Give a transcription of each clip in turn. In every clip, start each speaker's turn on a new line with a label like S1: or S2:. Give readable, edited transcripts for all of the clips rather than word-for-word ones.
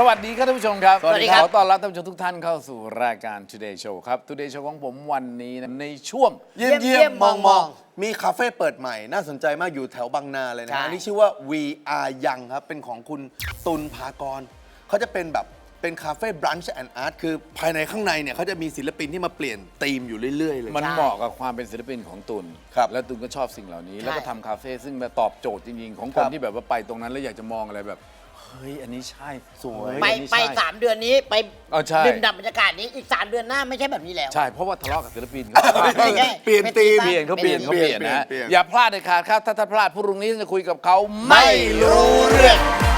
S1: วัสดีครับท่านผู้ชมครับ
S2: สวัสดีครับ
S1: ขอต้อนรับท่านผู้ชมทุกท่านเข้าสู่รายการ Today Show ครับ Today Show ของผมวันนี้นะในช่วง
S2: เยี่ยมมองมีคาเฟ่เปิดใหม่น่าสนใจมากอยู่แถวบางนาเลยนะ
S3: ใช่
S2: อันนี้ชื่อว่า We Are Young ครับเป็นของคุณตุลภากรเขาจะเป็นแบบเป็นคาเฟ่บรันช์แอนด์อาร์ตคือภายในข้างในเนี่ยเขาจะมีศิลปินที่มาเปลี่ยนธีมอยู่เรื่อยๆเลย
S1: มันเหมาะกับความเป็นศิลปินของตุล
S2: ครับ
S1: แล้วตุลก็ชอบสิ่งเหล่านี้
S3: ใช่
S1: แล้วก็ทำคาเฟ่ซึ่งมาตอบโจทย์จริงๆ ของค
S2: ครั
S1: น
S2: บ
S1: ที่แบบว่าไปตรงนั้นแล้วอยากจะมองอะไรแบบ เฮ้ย อันนี้ใช่
S2: สวย
S1: เฮ้
S3: ไป
S1: อันนี้
S3: ไป
S1: ใช่
S3: 3 เดือนนี้ไป
S1: ใช่
S3: ดื่มด่ำบรรยากาศนี้อีก 3 เดือนหน้าไม่ใช่แบบนี้แล้ว
S1: ใช่ เพราะว่าทะเลาะกับศิลปิน
S3: ไม่ใช่
S2: เปลี่ยนธีม
S1: เปลี่ยนเขาเปลี่ยนเขาเปลี่ยนนะฮะ
S2: เปลี่ยน
S1: อย่าพลาดเด็ดขาดครับ ถ้าท่านพลาดพรุ่งนี้จะคุยกับเขา
S3: ไม่รู้เรื่อง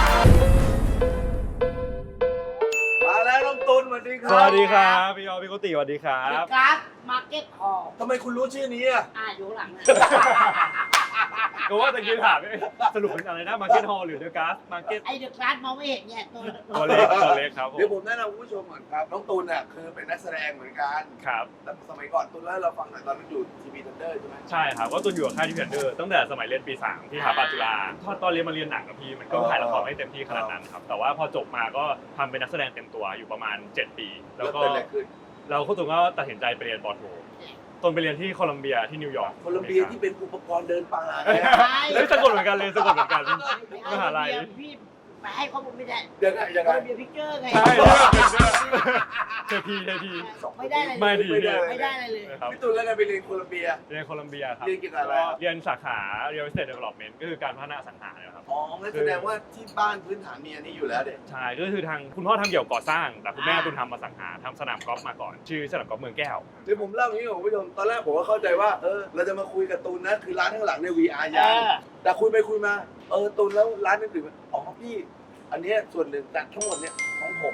S2: มาแล้วน้องตุลสวัสดีค
S4: ส
S2: รับ
S4: วัสดีครับพี่ออพี่โกติสวัสดีครั
S3: เด
S4: บ
S3: อะกราฟมาร์เก็ตฮอลล์
S2: ทำไมคุณรู้ชื่อนี้อ่ะ
S3: อยู่ข้างหลังนะ
S4: ก็ว่าตะกี้ถามสรุปเป็นอะไรนะมาร์เก็ตฮอลล์หรือเดอะการ์สมาร์เก็ต
S3: ไอเดอะกราฟมองไม่เห็นเนี่ยตัว
S4: ตัวเล็กครับผม
S2: เดี๋ยวผมแนะนำคุณผู้ชมก่อนครับน้องตุลเนี่ยคือเป็นนักแสดงเหมือนกัน
S4: ครับ
S2: แต่สมัยก่อนตุลเล่าให้เราฟังหน่อยตอนนั้นอยู่ทีวีทันเดอร์ใช่ไหม
S4: ใช่ครับก็ตุนอยู่กับค่ายที่เพนเดอร์ตั้งแต่สมัยเรียนปี 3 ที่สถาปัตย์จุฬาตอนเรียนมาเรียนหนังกับพี่มันก็ถ่ายละครไม่เต็มที่ขนาดนั้นครับแต่ว่าพอจบมาก็ทำเป็นนักแสดงเต็มตัวอยู่ประมาณ 7 ปี แล้วก็
S2: เกิดอะไรขึ้น
S4: เราก็ตุนก็ตัดสินใจไปเรียนปอโทตุนไปเรียนที่โคลัมเบียที่นิวยอร์ก
S2: โคลัมเบียที่เป็นอุปกรณ์เดินป่า
S4: เฮ้ยสะกดเหมือนกันเลยสะกดเหมือนกันมหาลัย
S3: พี่ไปให้ข้อมูลไม่ได้
S2: ยังไง
S3: โคลัมเบียพิกเจอร์ไง
S4: ใช่เทพี
S3: ไม่ได้อะไรเลย
S4: ไม่ดี
S3: ไม่ได้อะไรเลย
S4: ครับ
S2: พี่ตุลแล้วไงไปเรียนโคลัมเบีย
S4: เรียนโคลัมเบียครับ
S2: เรียนเกี่ยวกับอะไรครับ
S4: เรียนสาขา Real Estate Development ก็คือการพัฒนาอสังหาเนี่ยครับ
S2: อ๋องั้นแสดงว่าที่บ้านพื้นฐานมีอันนี้อยู่แล้วเด็ก
S4: ใช่ก็คือทางคุณพ่อทำเกี่ยวกับก่อสร้าง แต่คุณแม่ตุนทำอสังหาทำสนามกอล์ฟมาก่อน ชื่อสนามกอล์ฟเมืองแก้ว
S2: เดี๋ยวผมเล่าอย่างนี้ของคุณผู้ชมตอนแรกผมก็เข้าใจว่าเราจะมาคุยกับตูนนะคือร้านข้างหลังใน VR
S3: เอ
S2: ยัง
S3: อ
S2: แต่คุยไปคุยมาตูนแล้วร้านอื่นๆอ๋อพี่ อันเนี้ยส่วนหนึ่งแต่ทั้งหมดเนี่ยของผม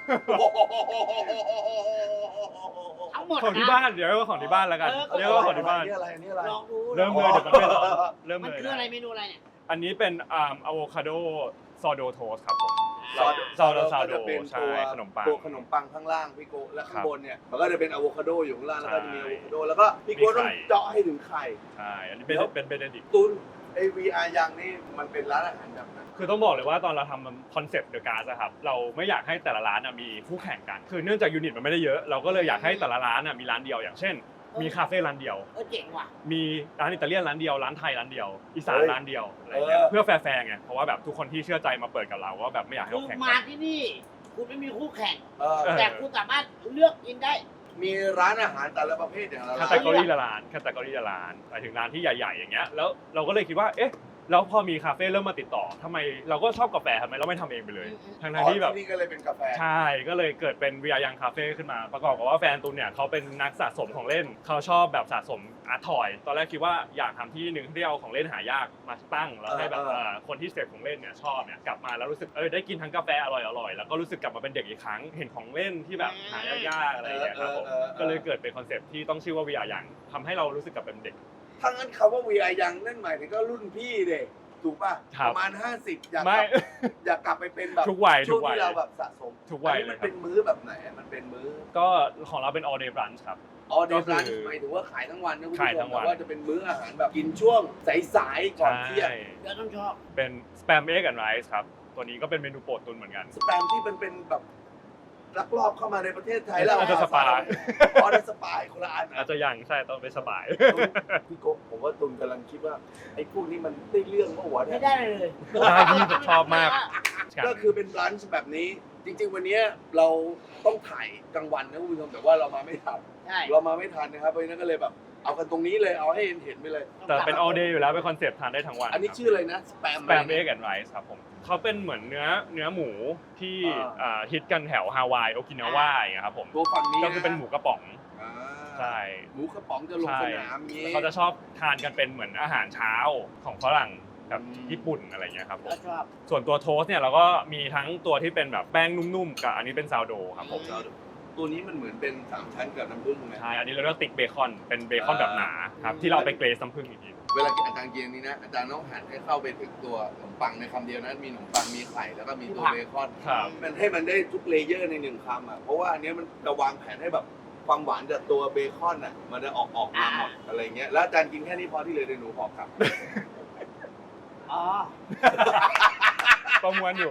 S3: ทั้งหมด
S4: ของที่
S3: นะ
S4: บ้านเดี๋ยวเรียกว่าของที่บ้านแล้วกัน
S3: เออ
S4: เรียกว่าของที่บ้าน
S2: อันนี้อะไรอันนี้อะไร
S3: ลองดู
S4: เริ่มเลยเดี๋ยวมันไม่ร้อนเริ่ม
S3: มัน
S4: เลย
S3: คืออะไรเมนูอะไรเนี่ย
S4: อันนี้เป็นอะโวคาโดซอโดโทสครับผม
S2: ซอโด
S4: ซอโด
S2: ก็จะเป็น
S4: ใช่
S2: ตัว
S4: ขนมปัง
S2: ตัวขนมปังข้างล่างพี่โกและข้างบนเนี่ยมันก็จะเป็นอะโวคาโดอยู่ข้างล่างแล้วก็จะมี
S4: ใช่
S2: อะโวคาโดแล้วก็พี่โกต้อง
S4: มีไข่
S2: เจาะให้ถึงไข่
S4: ใช่อันนี้เป็น
S2: แล้ว
S4: เป็นเบเนดิก
S2: ตุนไอ VR ยังนี่มันเป็นร้านอาหารแบบไหน
S4: คือต้องบอกเลยว่าตอนเราทำคอนเซปต์เดอะการ์ครับเราไม่อยากให้แต่ละร้านมีคู่แข่งกัน คือเนื่องจากยูนิตมันไม่ได้เยอะ เราก็เลยอยากให้แต่ละร้านมีร้านเดียวอย่างเช่น มีคาเฟ่ร้านเดียว
S3: เจ๋งว่ะ
S4: มีร้านอิตาเลียนร้านเดียวร้านไทยร้านเดียวอีสาน
S2: เฮ้ย
S4: ร้านเดียวอะไรเงี้ย
S2: เออ
S4: เพื่อแฟร์ๆไงเพราะว่าแบบทุกคนที่เชื่อใจมาเปิดกับเราว่าแบบไม่อยากให้
S3: คือ
S4: เราแข่ง
S3: มา
S4: กัน
S3: ที่นี่คุณไม่มีคู่แข่ง
S2: เออ
S3: แต่คุณสามารถเลือกกินได้
S2: มีร้านอาหารแต่ละประเภทอย่างละ
S4: แค
S2: ร้า
S4: ตตาน กรีละร้านแคตตากรีละร้านหมายถึงร้านที่ใหญ่ๆอย่างเงี้ยแล้วเราก็เลยคิดว่าเอ๊ะแล้วพอมีคาเฟ่เริ่มมาติดต่อทำไมเราก็ชอบกาแฟทำไมเราไม่ทำเองไปเลย ทั้งๆที่แบบ
S2: นี่ก็เลยเป็นกาแฟ
S4: ใช่ ก็เลยเกิดเป็นวิยยังคาเฟ่ขึ้นมา ประกอบกับว่าแฟนตูนเนี่ยเขาเป็นนักสะสมของเล่น เขาชอบแบบสะสมอาร์ตทอย ตอนแรกคิดว่าอยากทำที่หนึ่งที่เอาของเล่นหายากมาตั้ง แล้วให้แบบคนที่เสพของเล่นเนี่ยชอบเนี่ยกลับมาแล้วรู้สึกได้กินทั้งกาแฟอร่อยๆ แล้วก็รู้สึกกลับมาเป็นเด็กอีกครั้ง เห็นของเล่นที่แบบหายากๆอะไรอย่างเงี้ยครับผม ก็เลยเกิดเป็นคอนเซปต์ที่ต้องชื่อว่าวิยยังทำให้เรารู้สึกกลับเป็นเด็ก
S2: ถ้างั้นคำว่า VR ยังนั่นหมายถึงก็รุ่นพี่เด็กถูกป่ะ
S4: ครับ
S2: ประมาณ 50
S4: ไม่
S2: อยากกลับไปเป็นแบบ
S4: ทุกวัย
S2: ช่วง
S4: ทุกวัย
S2: ที่เราแบบสะสม
S4: ทุกวัย
S2: อันนี้มัน
S4: เลยครับ
S2: เป็นมื้อแบบไหนมันเป็นมื้อ
S4: ก็ของเราเป็น all day brunch ครับ
S2: ออเดอร์
S4: ก็
S2: ร้าน
S4: คือ
S2: หมายถึงว่าขายทั้งวันนะคุณผู้
S4: ขาย
S2: ช
S4: ทั้
S2: ม
S4: งวัน
S2: แต่ว่าจะเป็นมื้ออาหารแบบกินช่วงสายๆก่อนเที่ยง
S3: เดี๋ยวต้องชอบ
S4: เป็นสแปมเอ็กแอนด์ไรซ์ครับ ตัวนี้ก็เป็นเมนูโปรดตุนเหมือนกัน
S2: สแปมที่มันเป็นแบบลักลอบเข้ามาในประเทศไทยแล้ว
S4: อาจจะสปาย
S2: ออเดอร์สปายคนละอัน
S4: อาจจะยังใช่ต้องเป็นสบาย
S2: พี่โกผมว่าตุนกำลังคิดว่าไอ้พวกนี้มันได้เรื่องเมื่อวาน
S3: ไม่
S2: เนี่ย
S3: ได้เลย
S4: ได้พี่ผมชอบมาก
S2: ก็คือเป็นร้านแบบนี้ จริง ๆ วันนี้เราต้องถ่ายกลางวันนะคุณผู้ชมแต่ว่าเรามาไม่ทัน
S3: ใช่
S2: เรามาไม่ทันนะครับเพราะฉะนั้นก็เลยแบบเอากันตรงนี้เลยเอาให้เห็นไปเลย
S4: แต่เป็น all day อยู่แล้วเป็นคอนเซปต์ทานได้ทั้งวัน
S2: อันนี้ชื่ออะไรนะสแปม
S4: สแปมเอ็กแอนด์ไรซ์ครับผมเขาเป็นเหมือนเนื้อหมูที่ฮิตกันแถวฮาวายโอกินาวาอย่างเงี้ยครับผม
S2: ตัวฝั่งนี้
S4: ก็คือเป็นหมูกระป๋อง
S2: อ่า
S4: ใช่
S2: หมูกระป๋องจะลง
S4: ใช่
S2: สนามนี้
S4: แล้วเขาจะชอบทานกันเป็นเหมือนอาหารเช้าของฝรั่งแบบ
S2: อืม
S4: ญี่ปุ่นอะไรเงี้ยครับผม
S3: ก็ชอบ
S4: ส่วนตัวโทสต์เนี่ยเราก็มีทั้งตัวที่เป็นแบบแป้งนุ่มๆกับอันนี้เป็นซาวโดครับผม
S2: ตัวนี้มันเหมือนเป็น3ชั้นกับน้ำผึ้งไหม
S4: ใช่ อันนี้เราเรียกว่าติ๊กเบคอน เป็นเบคอนแบบหนาครับ ที่เราเอาไปเกรซน้ำผึ้งอีกที
S2: เวลากินอาจารย์กินอันนี้นะอาจารย์ต้องหั่นให้เข้าไปถึงตัวขนมปังในคำเดียวนะมีขนมปังมีไข่แล้วก็มีตัวเบคอน
S4: ครับ
S2: มันให้มันได้ทุกเลเยอร์ในหนึ่งคำอ่ะเพราะว่าอันเนี้ยมันจะวางแผนให้แบบความหวานจากตัวเบคอนอ่ะมันจะออกมาหมดอะไรเงี้ยแล้วอาจารย์กินแค่นี้พอที่เหลยเดี๋ยวหนูพอครับ
S3: อ๋อ
S4: ประมวลอยู่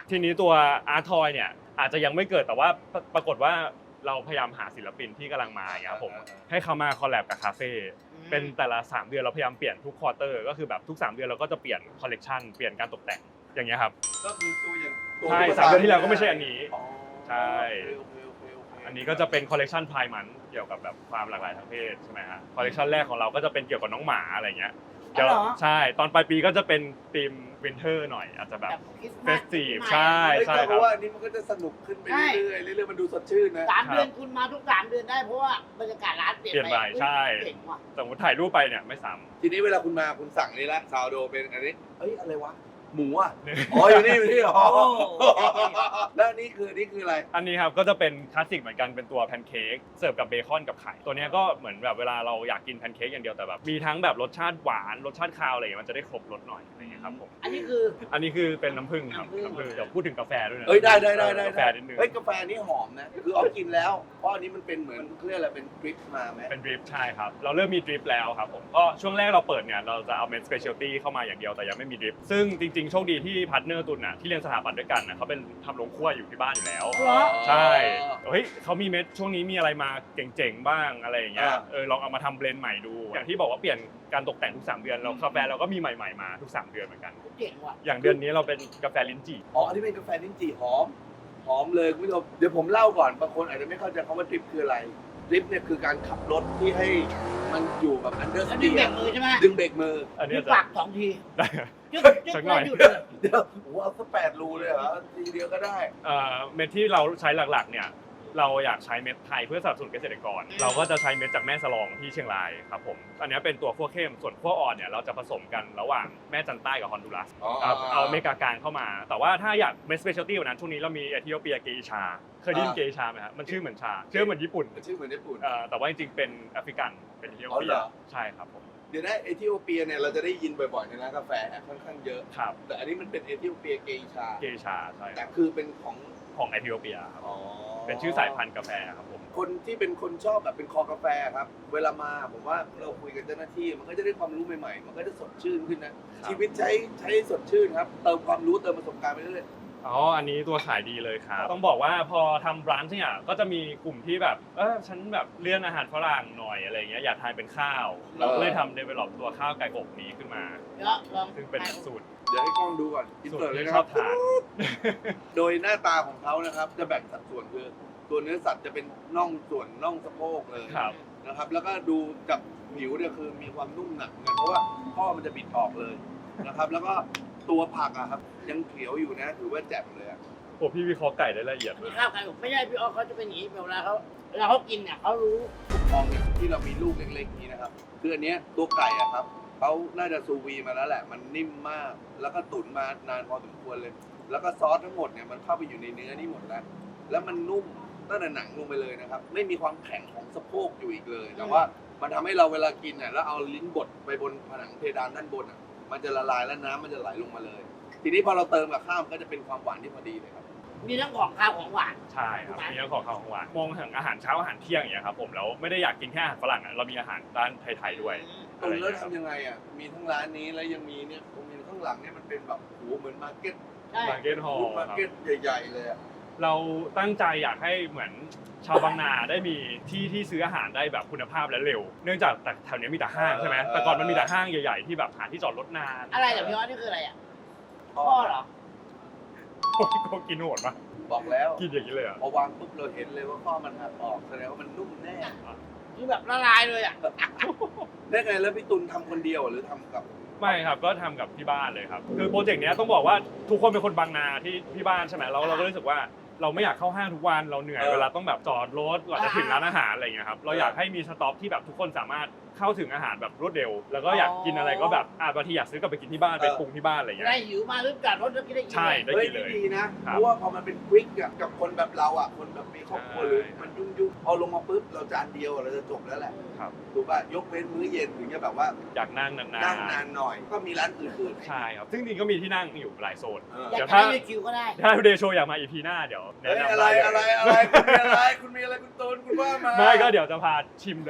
S4: ทีนี้ตัวอาร์ทอยเนี่ยอาจจะยังไม่เกิดแต่ว่าปรากฏว่าเราพยายามหาศิลปินที่กำลังมาอย่างเงี้ยครับผมให้เขามาคอลแลบกับคาเฟ่เป็นแต่ละ3 เดือนเราพยายามเปลี่ยนทุกควอเตอร์ก็คือแบบทุก3 เดือนเราก็จะเปลี่ยนคอลเลกชันเปลี่ยนการตกแต่งอย่างเงี้ยครับ
S2: ก็คือตัวอย่างตัว
S4: ใช่3 เดือนที่แล้วก็ไม่ใช่อันนี้
S2: อ๋อ
S4: ใช่
S2: โอเค
S4: อันนี้ก็จะเป็นคอลเลกชันพายมันเกี่ยวกับแบบความหลากหลายทางเพศใช่ไหมฮะคอลเลกชันแรกของเราก็จะเป็นเกี่ยวกับน้องหมาอะไรเงี้ย
S3: อ๋อเหรอ
S4: ใช่ตอนปลายปีก็จะเป็นธีมวินเทอร์หน่อยอาจจะแบบ
S3: คริสต์
S4: เฟ
S3: มาส
S4: สทีฟ
S3: ปีใหม่
S4: ใช่
S2: ใช่เพราะว่าอันนี้มันก็จะสนุกขึ้นไปเรื่อยๆเรื่อยๆมันดูสดชื่นนะ
S3: 3 เดือนคุณมาทุก3 เดือนได้เพราะว่าบรรยากาศร้านเปลี่ยน
S4: เปลี่ยนไปใช่
S3: เจ๋งว่ะ
S4: สมมติถ่ายรูปไปเนี่ยไม่ซ้
S2: ทีนี้เวลาคุณมาคุณสั่งนี่ละซาวโดเป็นอันนี้เอ้ยอะไรวะหมูอ่ะ
S4: ำ
S2: อ๋ออยู่นี่อ๋อแล้วนี่คืออะไร
S4: อันนี้ครับก็จะเป็นคลาสสิกเหมือนกันเป็นตัวแพนเค้กเสิร์ฟกับเบคอนกับไข่ตัวเนี้ยก็เหมือนแบบเวลาเราอยากกินแพนเค้กอย่างเดียวแต่แบบมีทั้งแบบรสชาติหวานรสชาติคาวอะไรอย่างเงี้ยมันจะได้ครบรสหน่อยอะไรอย่างเงี้ยครับผม
S3: อันนี้คือ
S4: อันนี้คือเป็นน้ำผึ้งครับ
S3: น้ำผึ้ง
S4: น้ำผึ้งเดี๋ยวพูดถึงกาแฟด้วยนะ
S2: เอ้ยได้
S4: กาแฟนิดนึง
S2: เฮ้ยกาแฟนี่หอมนะคือออฟกินแล้วเพราะอันนี้มันเป็นเหมือนเครื่องอะไรเป็นดริปมาไหม
S4: เป็นดริปใช่ครับเราเริ่มมีดริปแล้วครับผมก็ช่วงแรกเราเปิดเนี่ยเราจะเอาเมนสเปเชียลตี้เข้ามาอย่างเดียวแต่ยังไม่มีดริปซึ่งจริงๆโชคดีที่พาร์ทเนอร์ตุนน่ะที่เรียนสถาปัตย์ด้วยกันน่ะเขาเป็นทำโรงครัวอยู่ที่บ้านอยู่แล้ว
S3: เหรอ
S4: ใช่เฮ้ยเขามีเม็ดช่วงนี้มีอะไรมาเจ๋งๆบ้างอะไรอย่างเงี้ยลองเอามาทำเบลนด์ใหม่ดูอย่างที่บอกว่าเปลี่ยนการตกแต่งทุก3 เดือนเรากาแฟเราก็มีใหม่ๆมาทุก3 เดือนเหมือนกัน
S3: เจ๋งว่ะ
S4: อย่างเดือนนี้เราเป็นกาแฟลิ้นจี่
S2: อ๋ออันนี้เป็นกาแฟลิ้นจี่หอมเลยคุณผู้ชมเดี๋ยวผมเล่าก่อนบางคนอาจจะไม่เข้าใจคำว่าดริปคืออะไรดริปเนี่ยคือการขับรถที่ให้มันอยู่แบบอันเดอร์ส
S3: แล้ว
S2: ตี
S3: ดึงเบรกมือใช่ไหม
S2: ดึงเบรกมือ
S4: อันนี้
S3: ดึง
S4: จะ
S3: ปาก2 ที
S4: ได้
S3: จึ๊กจึ๊ก
S4: สักหน่อย
S3: แล้วหยุดเลย
S2: เดี๋ยวโอ้โหเอาสัก8 รูเลยเหรอทีเดียวก็ได้
S4: เม็ดที่เราใช้หลักๆเนี่ยเราอยากใช้เม็ดไทยเพื่อสนับสนุนเกษตรกร เราก็จะใช้เม็ดจากแม่สลองที่เชียงรายครับผมอันนี้เป็นตัวขั้วเข้มส่วนขั้วอ่อนเนี่ยเราจะผสมกันระหว่างแม่จันใต้กับฮอนดูรัส
S2: อ๋อ
S4: เอาเมกากลางเข้ามา แต่ว่าถ้าอยากเม็ดสเปเชียลตี้กว่านั้นช่วงนี้เรามีเอธิโอเปียเกอิชาเคยได้ยินเกอิชาไหมครับมันชื่อเหมือนชาชื่อเหมือนญี่ปุ่น
S2: ชื่อเหมือนญี่ปุ่น
S4: แต่ว่าจริงๆเป็นแอฟริกันเป็นเอธิโอ
S2: อ๋อ
S4: เปี
S2: เห
S4: ย
S2: รอ
S4: ใช่ครับผม
S2: เดี๋ยวนะเอธิโอเปียเนี่ยเราจะได้ยินบ่อยๆในร้านกาแฟค่อนข้างเยอะ
S4: ครับ
S2: แต่อันนี้มันเป็นเอธิโอเปียเกอิชา
S4: เกอิชาใช่ค
S2: แต่
S4: รับ
S2: คือเป็นของ
S4: ของเอธิโอเปียครับ
S2: อ๋อ
S4: เป็นชื่อสายพันธุ์กาแฟครับผม
S2: คนที่เป็นคนชอบแบบเป็นคอกาแฟครับ เวลามาผมว่าเราคุยกับเจ้าหน้าที่มันก็จะได้ความรู้ใหม่ๆ มันก็จะสดชื่นขึ้นนะ ชีวิตใช้สดชื่นครับ เติมความรู้เติมประสบการณ์ไปเรื่อย
S4: อ๋อ อันนี้ตัวขายดีเลยครับ ต้องบอกว่าพอทำร้านเนี่ยก็จะมีกลุ่มที่แบบ ฉันแบบเลี่ยนอาหารฝรั่งหน่อยอะไรเงี้ย อยากทานเป็นข้าว เราก็เลยทำ develop ตัวข้าวไก่อบนี้ขึ้นมา
S3: เดี๋ยวลอง
S4: ซึ่งเป็นสูตร
S2: ๆ เดี๋ยวให้กล้องดูก่อนอิน
S4: สูต
S2: เสิร์
S4: ร
S2: ตเลย
S4: ที่
S2: นะ
S4: ช
S2: ค
S4: อ
S2: รั
S4: บบ ทาน
S2: โดยหน้าตาของเขานะครับ จะแบ่งสัดส่วนคือตัวเนื้อสัตว์จะเป็นส่วนน่องสะโพกเลย
S4: ครับ
S2: นะครับ แล้วก็ดูจากผิวเนี่ยคือมีความนุ่มหนักเหมือนกันเพราะว่าข้อมันจะบิดออกเลยนะครับ แล้วก็ตัวผักอะครับยังเขียวอยู่นะถือว่าแจ่มเลยอะ
S4: โอ้พี่วิเคราะห์ไก่ได้ละเอียด
S3: อัน
S4: เล
S3: นี้
S4: ย
S3: ข้าวไก่อบไม่ใช่พี่ออฟเขาจะเป็นอย่างนี้เวลาเขากินเนี่ยเขารู้
S2: ทองเนี่ยที่เรามีลูกเล็กๆนี้นะครับคืออันเนี้ยตัวไก่อะครับเขาน่าจะซูวีมาแล้วแหละ มันนิ่มมาก แล้วก็ตุ๋นมานานพอสมควรเลย แล้วก็ซอสทั้งหมดเนี่ยมันเข้าไปอยู่ในเนื้อนี่หมดแล้ว แล้วมันนุ่มตั้งแต่หนังลงไปเลยนะครับ ไม่มีความแข็งของสะโพกอยู่อีกเลย แต่ว่ามันทำให้เราเวลากินเนี่ยแล้วเอาลิ้นบดไปบนผนังเพดานด้านบนอ่ะ มันจะละลายแล้วน้ำมันจะไหลลงมาเลย ทีนี้พอเราเติมกับข้าวมันก็จะเป็นความหวานที่พอดีเลยครับ
S3: มีทั้งของข้าวของหวาน
S4: ใช่ครับ มีทั้งของข้าวของหวาน มองถึงอาหารเช้าอาหารเที่ยงอย่างเงี้ยครับผม แล้วไม่ได้อยากกินแค่อาหารฝรั่งอะเรามีอาหารด้านไทยๆด้วย
S2: ตรงแล้วทำยังไงอ่ะ มีทั้งร้านนี้แล้วยังมีเนี่ยตรงนี้ข้างหลังเนี่ยมันเป็นแบบโหเหมือนมาร์เก็ต
S3: ใช่
S4: มาร์เก็ตฮอล
S2: ฟู้ด
S4: ล์
S2: มาร์
S4: ครับ
S2: เก็ตใหญ่ๆเลยอะ
S4: เราตั้งใจอยากให้เหมือนชาวบางนาได้มีที่ซื้ออาหารได้แบบคุณภาพและเร็ว เนื่องจากแต่แถวนี้มีแต่ห้างใช่ไหมแต่ก่อนมันมีแต่ห้างใหญ่ๆที่แบบหาที่จอดรถนาน
S3: อะไรเหรอพี่ออฟนี่คืออะไรอ่ะพ่อเหรอ
S4: โอ้ยก็กินโหดปะ
S2: บอกแล้ว
S4: กินอย่างนี้เลยเหรอ่ะ
S2: พอวางปุ๊บเราเห็นเลยว่าข้อมันหักออกแสดงว่ามันนุ่มแน่
S3: คือแบบละลายเลยอ่ะ
S2: ได้ไงแล้วพี่ตุลทำคนเดียวหรือทำกับ
S4: ไม่ครับก็ทำกับที่บ้านเลยครับคือโปรเจกต์เนี้ยต้องบอกว่าทุกคนเป็นคนบางนาที่บ้านใช่ไหมแล้วเราก็รู้สึกว่าเราไม่อยากเข้าห้างทุกวันเราเหนื่อยเวลาต้องแบบจอดรถกว่าจะถึงร้านอาหารอะไรอย่างเงี้ยครับเราอยากให้มีสต็อปที่แบบทุกคนสามารถเข้าถึงอาหารแบบรวดเร็ว แล้วก็อยากกินอะไรก็แบบบางทีอยากซื้อกลับไปกินที่บ้านไปปรุงที่บ้านอะไรอย่างเงี้
S3: ได้
S4: ย
S3: หิวมาหรือจอดรถแล้วกินได้กิน
S4: ใช่
S3: เลย
S4: ได้กินเลย
S2: ดีนะ
S4: ครับ
S2: เพราะว่าพอมันเป็นควิกอะกับคนแบบเราอ่ะคนแบบมีครอบครัวหรือมันยุ่งๆพอลงมาปุ๊บเราจานเดียวเราจะจบแล้วแหละ
S4: ครับ
S2: ถูกป่ะยกเว้นมื้อเย็นถึงจะแบบว่า
S4: อยากนั่งนาน
S2: นั่งนานหน่อย ก็มีร้านอื่น
S4: ๆใช่ครับซึ่งจริงๆก็มีที่นั่งอยู่หลายโซน
S2: ๆเออ
S3: อยาก
S4: เดี๋ยว
S3: จะ
S4: ถ้า
S3: ให้คิวก็ได้
S4: ถ้าทูเดย์โชว์อยากมาอีพีหน้าเดี๋ยวแนะ
S2: เฮ้ย
S4: นำ
S2: อะไร
S4: ได้เลย
S2: คุณมีอะไรคุณมีอะไรคุณตูนคุณว่ามา
S4: ไม่ก็เดี๋ยวจะพาชิมเลย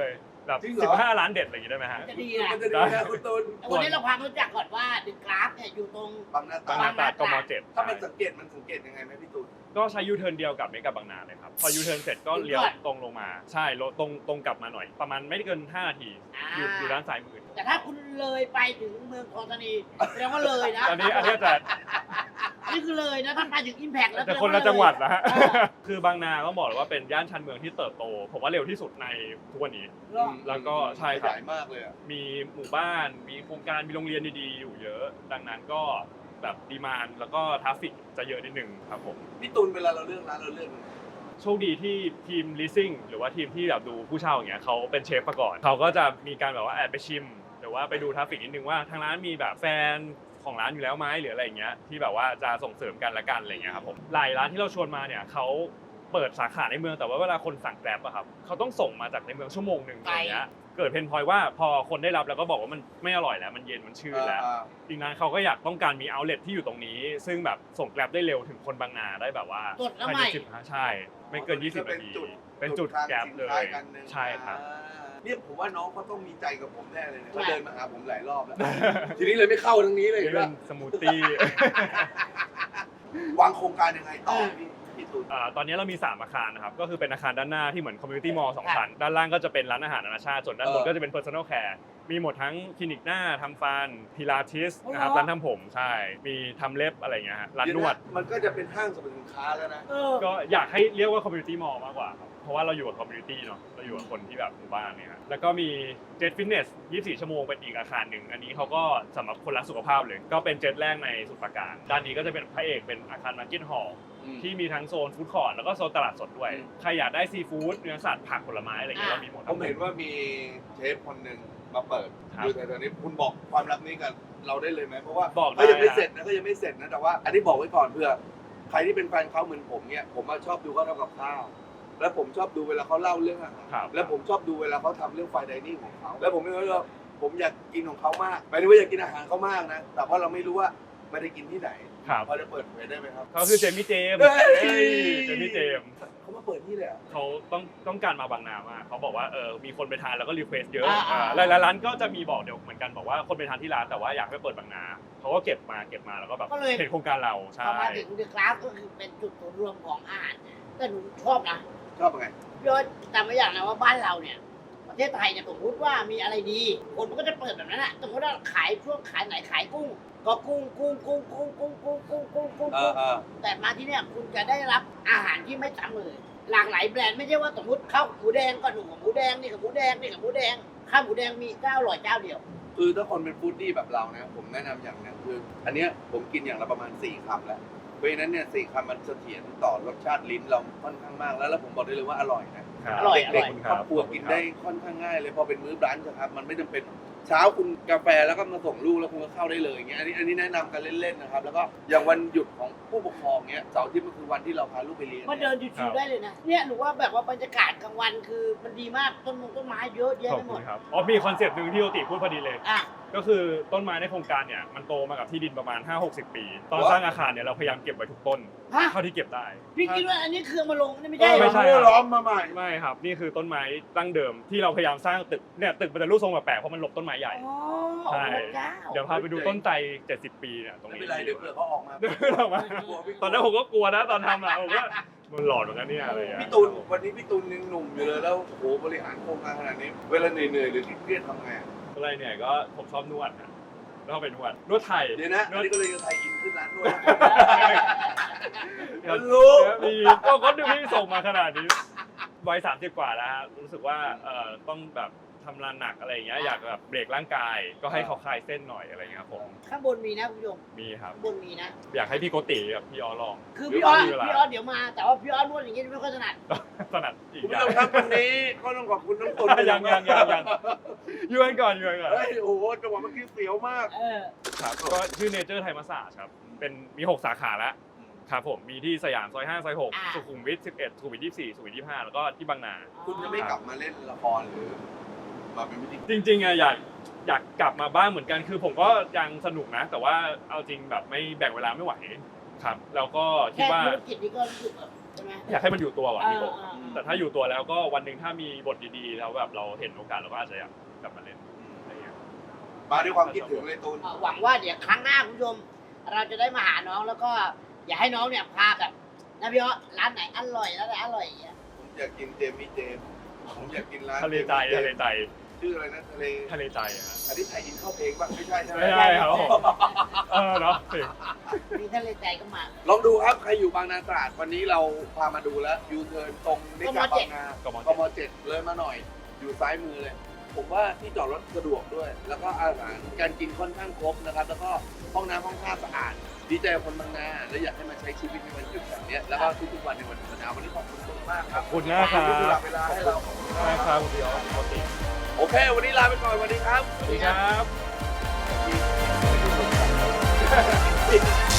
S4: แบบ
S2: จริงเหรอ
S4: 15 ล้านเด็ดอะไรอย่างงี้ได้ไหมฮะ
S3: จะดีนะ
S2: มันจะดีนะคุณตูน
S3: แต่วันนี้เราความรู้จักก่อนว่าดึกกราฟเนี่ยอยู่ตรง
S2: บางนาต
S4: บางนาตราดกม7
S2: ถ้ามันสังเกตยังไงไหมพี่ตูน
S4: ก็ใช้ยูเทิร์นเดียวกับเมกะบางนาเลยครับพอยูเทิร์นเสร็จก็เลี้ยวตรงลงมาใช่ตรงกลับมาหน่อย ประมาณไม่เกิน5 นาทีอยู่ด้านซ้ายมือ
S3: แต่ถ้าคุณเลยไปถึงเมืองทองธานีแสดงว่าเลยนะ
S4: อันนี้จะ
S3: นี่คือเลยนะถ้าไปถึงอิมแพกแล้ว
S4: แต่คนละจังหวัดนะฮะ คือบางนาก็บอกเลยว่าเป็นย่านชานเมืองที่เติบโตผมว่าเร็วที่สุดในทุกวันนี้ แล้วก็ใช่ครับ
S2: ขยายมากเลยอ่ะ
S4: มีหมู่บ้านมีโครงการมีโรงเรียนดีๆอยู่เยอะ ดังนั้นก็แบบดีมานด์แล้วก็ทราฟฟิกจะเยอะนิดนึงครับผม
S2: พี่ตูนเวลาเราเลือกร้านเราเลือกยังไง
S4: โชคดีที่ทีม leasing หรือว่าทีมที่แบบดูผู้เช่าอย่างเงี้ยเขาเป็นเชฟมาก่อนเขาก็จะมีการแบบว่าแอบไปชิมหรือว่าไปดูทราฟฟิกนิดนึงว่าทางร้านมีแบบแฟนของร้านอยู่แล้วไหมหรืออะไรอย่างเงี้ยที่แบบว่าจะส่งเสริมกันละกันอะไรอย่างเงี้ยครับผมหลายร้านที่เราชวนมาเนี่ยเขาเปิดสาขาในเมืองแต่ว่าเวลาคนสั่งแกร็บอะครับเขาต้องส่งมาจากในเมืองชั่วโมงนึงอะไรอย่างเงี้ยเกิดเพนพอยต์ว่าพอคนได้รับแล้วก็บอกว่ามันไม่อร่อยแล้วมันเย็นมันชืดแล้วจริงๆนั้นเขาก็อยากต้องการมีเอาท์เลทที่อยู่ตรงนี้ ซึ่งแบบส่งแกร็บได้เร็วถึงคนบางนาได้แบบว่า
S3: สดแล้ว
S4: ภาย
S3: ให
S4: ใน
S3: ม่
S4: 15ใช่ ไม่เกิน 20 นาที เป็นจุดแกร็บเลย ใช่ครับ
S2: เนี่ยผมว่าน้องเขาต้องมีใจกับผมแน่เลยเนี่ยเขาเดินมาหาผมหลายรอบแล้ว ทีนี้เลยไม่เข้าทางนี้เลย
S4: นี่เป็นสมูทตี้
S2: วางโครงการยังไงต่อพี่ตูน
S4: ตอนนี้เรามี 3 อาคารนะครับ ก็คือเป็นอาคารด้านหน้าที่เหมือนคอมมูนิตี้มอลล์2ชั้น ด้านล่างก็จะเป็นร้านอาหารนานาชาติ ส่วนด้านบนก็จะเป็น personal care มีหมดทั้งคลินิกหน้าทำฟันพิลาทิสนะครับร้านทำผมใช่ มีทำเล็บอะไรอย่างเงี้ยฮะร้านนวด
S2: มันก็จะเป็นห้างสรรพสินค้าแล้วนะ
S4: ก็อยากให้เรียกว่าคอมมูนิตี้มอลล์มากกว่าครับ เพราะว่าเราอยู่กับคอมมูนิตี้เนาะ เราอยู่กับคนที่แบบหมู่บ้านเนี่ยฮะแล้วก็มีเจ็ตฟิตเนส 24 ชั่วโมงเป็นอีกอาคารหนึ่ง อันนี้เขาก็สำหรับคนรักสุขภาพเลย ก็เป็นเจ็ตแรกในสมุทรปราการ ด้านนี้ก็จะเป็นพระเอกเป็นอาคารมาร์เก็ตฮอลล์ที่มีทั้งโซนฟู้ดคอร์ทแล้วก็โซนตลาดสดด้วย ใครอยากได้ซีฟู้ดเนื้อสัตว์ผักผลไม้อะไรอย่างเงี้ยเรามีหมด
S2: ผมเห็นว่ามีเชฟคนหนึ่งมาเปิด
S4: ครับ
S2: อยู่แต่ตอนนี้คุณบอกความลับนี้กับเราได้เลยไหมเพราะว่า
S4: บอกได้
S2: เขายังไม่เสร็จนะแต่ว่าอันนี้บอกไว้ก่อนเพื่อใครที่เป็นแฟนเขาเหมือนผมเนี่ยผมชอบดูเขาทำกับข้าวแล้วผมชอบดูเวลาเขาเล่าเรื่องอาหาร
S4: ครับ
S2: แล้วผมชอบดูเวลาเขาทำเรื่องไฟไดนิ่งของเขาแล้วผมไม่รู้ว่าผมอยากกินของเขามากหมายถึงว่าอยากกินอาหารเขามากนะแต่ว่าเราไม่รู้ว่าไม่ได้กินที่ไหน
S4: ครับ
S2: พอจะเปิดเผยได้ไหมครับ
S4: เขาคือเจมี่เจมส์
S2: เฮ้ย
S4: เจมี่เจมส์
S2: เขามาเปิดที่เลยเหรอ
S4: เขาต้องการมาบางนามากเขาบอกว่ามีคนไปทานแล้วก็รีเควสเยอะ
S3: อ่า
S4: หลายๆร้านก็จะมีบอกเดี๋ยวเหมือนกันบอกว่าคนไปทานที่ร้านแต่ว่าอยากให้เปิดบางนาเขาก็เก็บมาแล้วก็แบบ
S3: ก็เลย
S4: เห็นโครงการเราใช่
S3: พอมาถึงดึกกราฟก็คือเป็นจุดศูนย์รวมของอาหารแต่หนูชอบนะ
S2: ชอบยังไง
S3: พี่ว่าจำไว้อย่างนะว่าบ้านเราเนี่ยประเทศไทยเนี่ยสมมติว่ามีอะไรดีคนมันก็จะเปิดแบบนั้นแหละสมมติว่าขายช่วงขายไหนขายกุ้ง ก็กุ้งแต่มาที่เนี่ยคุณจะได้รับอาหารที่ไม่ซ้ำเลยหลากหลายแบรนด์ไม่ใช่ว่าสมมติข้าวหมูแดงก็หนูกับหมูแดงนี่กับหมูแดงนี่กับหมูแดงข้าวหมูแดงมีเจ้าอร่อยเจ้าเดียว
S2: คือถ้าคนเป็นฟู้ดดี้แบบเรานะผมแนะนำอย่างหนึงคือ อันเนี้ยผมกินอย่างละประมาณ4คำแล้วเพราะฉะนั้นเนี่ย4คำมันเสถียรต่อรสชาติลิ้นเราค่อนข้างมากแล้วผมบอกได้เลยว่าอร่อยนะ
S4: ครับ
S3: อร่อย
S2: เด็กๆครอบครัวกินได้ค่อนข้างง่ายเลยพอเป็นมื้อบรันช์นะครับมันไม่จำเป็นเช้าคุณกาแฟแล้วก็มาส่งลูกแล้วคุณก็เข้าได้เลยอย่างเงี้ยอันนี้แนะนำกันเล่นๆนะครับแล้วก็อย่างวันหยุดของผู้ปกครองเงี้ยเสาร์อาที่มันคือวันที่เราพาลูกไปเรียน
S3: มาเดินชิวๆได้เลยนะเนี่ยหนูว่าแบบว่าบรรยากาศกลางวันคือมันดีมากต้นไม้เยอะแยะ
S4: ขอบ
S3: ไปหม
S4: คุ
S3: ด
S4: ณครับอ๋อมีคอนเซปต์หนึ่งที่โอติพูดพอดีเลย
S3: อ่ะ
S4: ก็คือต้นไม้ในโครงการเนี่ยมันโตมากับที่ดินประมาณ 5-60 ปี ตอนสร้างอาคารเนี่ยเราพยายามเก็บไว้ทุกต้น
S3: ฮะ
S4: เท่าที่เก็บได้
S3: พี่คิดว่าอันนี้เครื่องมาลงนี่ไม่
S2: ใช่
S3: ใช่เหร
S4: ไม่
S3: อ
S4: ใช่
S2: ล้อมมาใหม่
S4: ไม่ครับนี่คือต้นไม้ตั้งเดิมที่เราพยายามสร้างตึกเนี่ยตึกมันจะรูปทรงแปลกๆเพราะมันหลบต้นไม้ใหญ่
S3: อ๋อ
S4: ใช่
S3: พระเจ้า
S4: เดี๋ยวพาไปดูต้นไทร70 ปีเนี่ยตรง
S2: ไม่
S4: นี้
S2: เป็นไรเดี๋ยวเผื่อเขาออกมา
S4: เดินออกมาตอนนั้นผมก็กลัวนะตอนทำอะผมก็มันหลอนเหมือนกันเนี่ยอะไรอย่างเงี้ย
S2: พี่ตูนวันนี้พี่ตูนยังหนุ่มอยู่เลยแล้วโอ้โหบริหารโครงการขนาดนี้เวลาเหนื่อยๆหรือเครียดทำไง
S4: อะไรเนี่ยก็ผมชอบนวดนะแล้วก็ไปนวดไทย
S2: เดี๋ยวนะอันนี้ก็เลยจะไทยอินขึ้นร้านด้วย
S4: ครับ
S2: รู้
S4: มีก็ดูพี่ส่งมาขนาดนี้วัย30 กว่าแล้วฮะรู้สึกว่าต้องแบบทำงานหนักอะไรอย่างเงี้ยอยากแบบเบรกร่างกายก็ให้เขาคลายเส้นหน่อยอะไรอย่างเงี้ยครับผม
S3: ข้างบนมีนะคุณผู้ชม
S4: มีครับ
S3: ข้างบนมีนะ
S4: อยากให้พี่โกติกับพี่ออลอง
S3: คือพี่ออส
S4: เวลา
S3: เดี๋ยวมา แต่ว่าพี่ออสนวดอย่างงี้ไม่ค่อยถนัด
S4: ถนัดอีก
S2: คุณ
S4: อ
S2: ผู้
S4: ย่า
S2: ช
S4: ง
S2: มครับวันนี้ก็ต้องขอบคุณน้องตุน
S4: ยังอยู่กันก่อน
S2: เฮ้ยโอ้โหจังหวะเมื่อกี้เสียวมาก
S4: ครับก็ชื่อเนเจอร์ไทยมาสาจครับเป็นมี6 สาขาแล้วครับผมมีที่สยามซอย5ซอย6สุขุมวิท11สุขุมวิท24สุขุมวิท25แล้วก็ที่บางนา
S2: คุณจะไม่กลับมาเล่นละครหรือมาเป็นพิธีกร
S4: จริงๆอะอยากกลับมาบ้างเหมือนกันคือผมก็ยังสนุกนะ แต่ว่าเอาจริงแบบไม่แบ่งเวลาไม่ไหวครับ แล้วก็คิด
S3: แค่
S4: ว่า
S3: ธุรกิจนี้ก็รู้สึกแบบใช่ไหมไหม
S4: อยากให้มันอยู่ตัวก่อน
S3: เอ
S4: พี่
S3: อ
S4: โบ
S3: เออ
S4: แต่ถ้าอยู่ตัวแล้วก็วันหนึ่งถ้ามีบทดีๆ แล้วแบบเราเห็นโอกาสเราก็อาจจะอยากกลับมาเล่นอะไรเงี้ย
S2: มาด้วยความคิดถึงเลยตูน
S3: หวังว่าเดี๋ยวครั้งหน้าคุณผู้ชม เราจะได้มาหาน้องแล้วก็อยากให้น้องเนี่ยพาแบบนะพี่อ้อร้านไหนอร่อยร้านไหนอร่อยอย่างเงี้ย
S2: ผมอยากกินเจมี่เจมส์ผมอยากกินร้าน
S4: ทะเลใจทะเลใจ
S2: ชื่ออะไรนะทะเล
S4: ทะเลใจฮะ
S2: อันนี้ไทยอินเข้าเพลงป่ะไม่ใช่ใช่ไหม
S4: ไม่ใช่ครับผมเนาะ
S3: มีทะเลใจก็มา
S2: ลองดูครับใครอยู่บางนาตราดวันนี้เราพามาดูแล้วยูเทิร์นตรงนิกาบางนาก
S4: ม
S2: กม7เลยมาหน่อย อยู่ซ้ายมือเลย ผมว่าที่จอดรถสะดวกด้วย แล้วก็อาหารการกินค่อนข้างครบนะครับ แล้วก็ห้องน้ำห้องท่าสะอาด ดีใจกับคนบางนาและอยากให้มาใช้ชีวิตในวันหยุดแบบเนี้ยแล้วก็ทุกๆวันในวันธรรมดาวันนี้ขอบคุณมากครับ
S4: ขอบคุณมากครับ
S2: ที่สละเวลาให้เรา
S4: ใช่ครับคุณพี่อ๋อปกติ
S2: โอเค วันนี้ลาไปก่อนสวัสดีครับ
S4: สวัสดีครับ
S2: Thank you.